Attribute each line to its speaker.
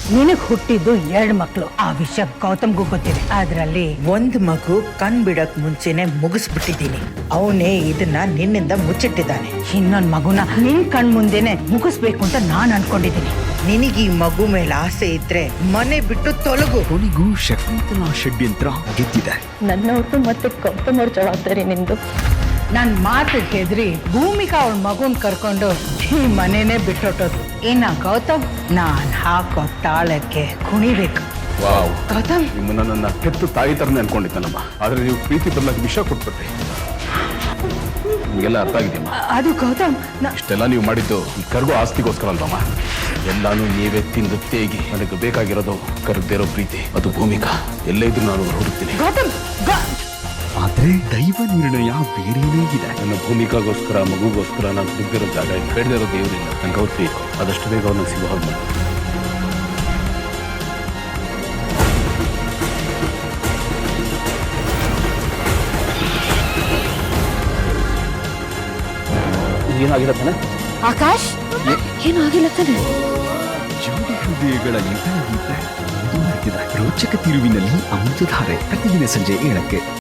Speaker 1: ನಿನಗ್ ಹುಟ್ಟಿದ್ದು 2 ಮಕ್ಳು. ಆ ವಿಷಯ ಗೌತಮ್ಗೂ ಗೊತ್ತಿದೆ. ಅದ್ರಲ್ಲಿ ಒಂದ್ ಮಗು ಕಣ್ ಬಿಡಕ್ ಮುಂಚೆನೆ ಮುಗಿಸ್ಬಿಟ್ಟಿದ್ದೀನಿ. ಅವನೇ ಇದನ್ನ ನಿನ್ನಿಂದ ಮುಚ್ಚಿಟ್ಟಿದ್ದಾನೆ. ಇನ್ನೊಂದ್ ಮಗುನ ನಿನ್ ಕಣ್ ಮುಂದೆನೆ ಮುಗಿಸ್ಬೇಕು ಅಂತ ನಾನ್ ಅನ್ಕೊಂಡಿದ್ದೀನಿ. ನಿನಗೆ ಈ ಮಗು ಮೇಲೆ ಆಸೆ ಇದ್ರೆ ಮನೆ ಬಿಟ್ಟು ತೊಲಗು.
Speaker 2: ಕೊನೆಗೂ ಶಕುಂತಲಾ ಷಡ್ಯಂತ್ರ ಗೆದ್ದಿದೆ.
Speaker 3: ನನ್ನವ್ರದ್ದು ಮತ್ತೆ ಗೌತಮ್ ಅವ್ರ ಜವಾಬ್ದಾರಿ ನಿಂದು.
Speaker 1: ನನ್ ಮಾತು ಹೆದ್ರಿ ಭೂಮಿಕಾ ಅವಳ ಮಗುನ್ ಕರ್ಕೊಂಡು ಈ ಮನೇನೆ ಬಿಟ್ಟೊಟ್ಟೋದು. ಇನ್ನ ಗೌತಮ್ ನಾನ್ ಹಾಕೋ ತಾಳಕ್ಕೆ ಕುಣಿಬೇಕು.
Speaker 4: ವಾವ್,
Speaker 1: ಗೌತಮ್,
Speaker 4: ನಿಮ್ಮನ್ನ ನನ್ನ ಹೆತ್ತು ತಾಯಿ ತರನೇ ಅನ್ಕೊಂಡಿದ್ದಾನಮ್ಮ. ಆದ್ರೆ ನೀವು ಪ್ರೀತಿ ಬರ್ಲಾಕ ವಿಷ ಕೊಟ್ಬಿಟ್ರಿ. ನಿಮಗೆಲ್ಲ ಅರ್ಥ ಆಗಿದೆಯಮ್ಮ.
Speaker 1: ಅದು ಗೌತಮ್,
Speaker 4: ಇಷ್ಟೆಲ್ಲ ನೀವು ಮಾಡಿದ್ದು ಈ ಕರ್ಗೋ ಆಸ್ತಿಗೋಸ್ಕರ ಅಲ್ವಮ್ಮ. ಎಲ್ಲಾನು ನೀವೇ ತಿಂದು ತೇಗಿ ನನಗೆ ಬೇಕಾಗಿರೋದು ಕರ್ಗದಿರೋ ಪ್ರೀತಿ. ಅದು ಭೂಮಿಕಾ. ಎಲ್ಲೇ ಇದ್ರು ನಾನು ಹುಡುಕ್ತೀನಿ.
Speaker 1: ಗೌತಮ್,
Speaker 2: ಆದ್ರೆ ದೈವ ನಿರ್ಣಯ ಬೇರೆನೇ ಇದೆ.
Speaker 4: ನನ್ನ ಭೂಮಿಕಾಗೋಸ್ಕರ ಮಗುಗೋಸ್ಕರ ನಾನು ಹುಡುಗಿರೋ ಜಾಗ ಇಲ್ಲ, ಬೇಡದಿರೋ ದೇವರಿಲ್ಲ. ನಂಗೆ ಅವ್ರು ಬೇಕು. ಆದಷ್ಟು ಬೇಗ ಅವ್ರನ್ನ ಸಿಗೋ ಹಾಗೆ ಮಾಡಿ. ಏನಾಗಿಲ್ಲ ತಾನೆ?
Speaker 3: ಆಕಾಶ್, ಏನು ಆಗಿಲ್ಲ ತಾನೆ?
Speaker 2: ಜೋಡಿ ಹೃದಯಗಳ ಯುದ್ಧ ಗೀತೆ ಮುಂದುವರೆದಿದೆ. ರೋಚಕ ತಿರುವಿನಲ್ಲಿ ಅಮೃತಧಾರೆ ಪ್ರತಿದಿನ ಸಂಜೆ 7ಕ್ಕೆ.